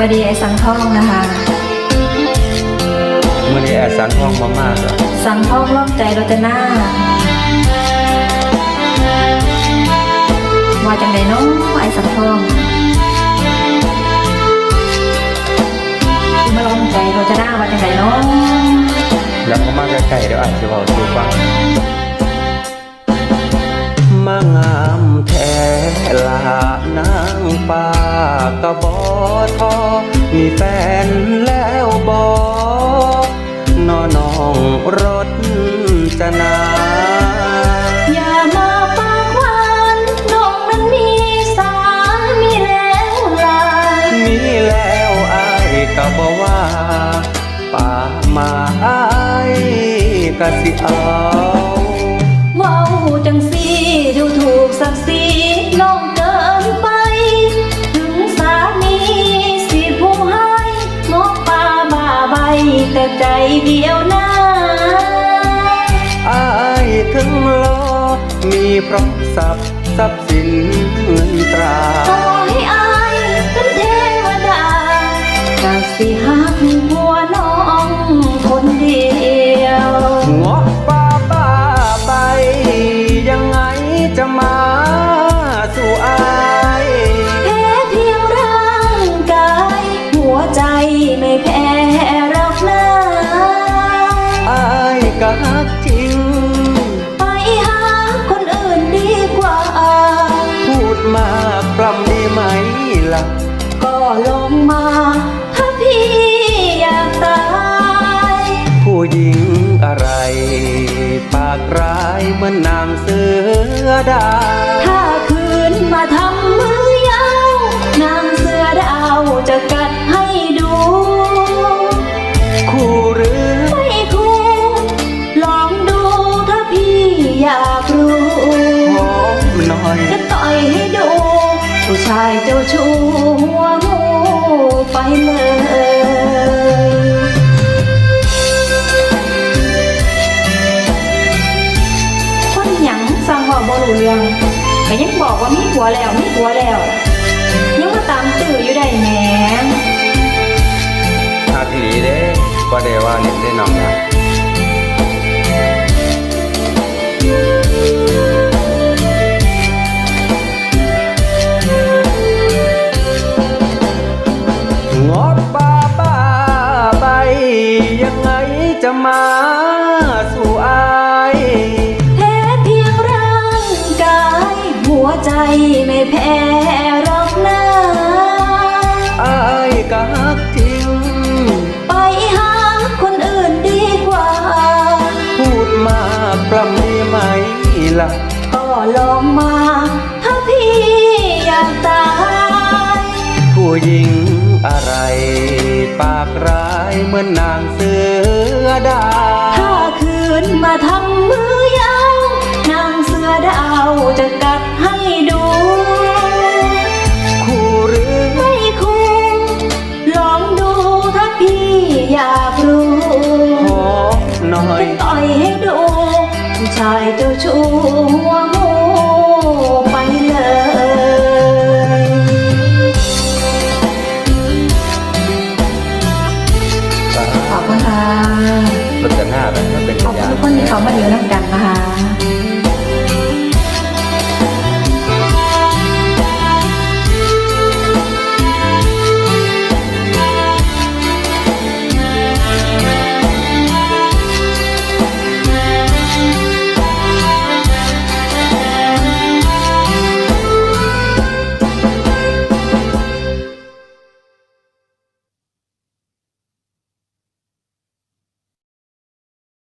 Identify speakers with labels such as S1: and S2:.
S1: ดีไอสังทองนะคะ
S2: เมื่อนี้แอดสันทองมากเลย
S1: สังทองร่วมใจโรจนาว่าจังไดน้องไอสังทองมาร่วมใจโรจนาว่าจังไดน้อง
S2: แล้วก็มาใกล้ๆเดี๋ยวอาจจะบอกสู่ฟังมางามแท้ลานางป้ากะบอทอมีแฟนแล้วบอนอน้องรถจะนา
S1: อย่ามาปากหวานน้องนั้นมีสามีแล้วล่ะ
S2: มีแล้วอายก็บอกว่าป่ามาอายก็สิเอา
S1: ว้าวจังสีดูถูกศักดิ์ศรีน้องเกินไปถึงสามีสิผู้ให้งอป่าบ้าใบแต่ใจเดียวนะ
S2: อายถึงรอมีพร้อมทรัพย์สินเงินตรา
S1: ขอให้อายเป็นเทวดากะสิหักหัวน้องคนเดียว
S2: งอป่าบ้าใบยังไงจะมาสู่อาย
S1: แพ้เพียงร่างกายหัวใจไม่แพ้หรอกนะ
S2: อายก็ฮักจริง
S1: ไปหาคนอื่นดีกว่า
S2: พูดมากปล้ำได้ไหมล่ะ
S1: ก็ลงมาถ้าพี่อยากตาย
S2: ผู้หญิงอะไรปากร้ายเหมือนนางเสือดาว
S1: ถ้าคืนมาทำมือยาวนางเสือดาวจะกัดให้ดู
S2: คู่หรือ
S1: ไม่คู่ลองดูถ้าพี่อยากรู้
S2: หอมหน่อย
S1: จะต่อยให้ดูผู้ชายเจ้าชู้หัวงูไปเลยคนหยังสั่งว่าบ่รู้เรื่องแต่ยังบอกว่ามีผัวแล้วมีผัวแล้วยังมาตามตื้ออยู่ได้แหม
S2: หักอีหลีเด้บ่ได้ว่าเล่นได้น้องนะงอป่าบ้าใบยังไงจะมาสู่อาย
S1: แพ้เพียงร่างกายหัวใจไม่แพ้หรอกนะ
S2: อายก็ฮักจริง
S1: ไปหาคนอื่นดีกว่า
S2: พูดมากปล้ำได้ไหมล่ะ
S1: ก็ลองมาถ้าพี่อยากตาย
S2: ผู้หญิงอะไรปากร้ายเหมือนนางเสือดาว
S1: ถ้าคืนมาทำมือยาวนางเสือดาวจะกัดให้ดู
S2: คู่หรือ
S1: ไม่คู่ลองดูถ้าพี่อยากรู้
S2: หอมหน่อย
S1: จะต่อยให้ดูผู้ชายเจ้าชู้หัวงูไปเลยขอบคุณค่ะ
S2: รถจะหน้าแบบมันเป็น
S1: ขอบคุณทุกคนที่เขามาอยู่นั่งกันนะคะ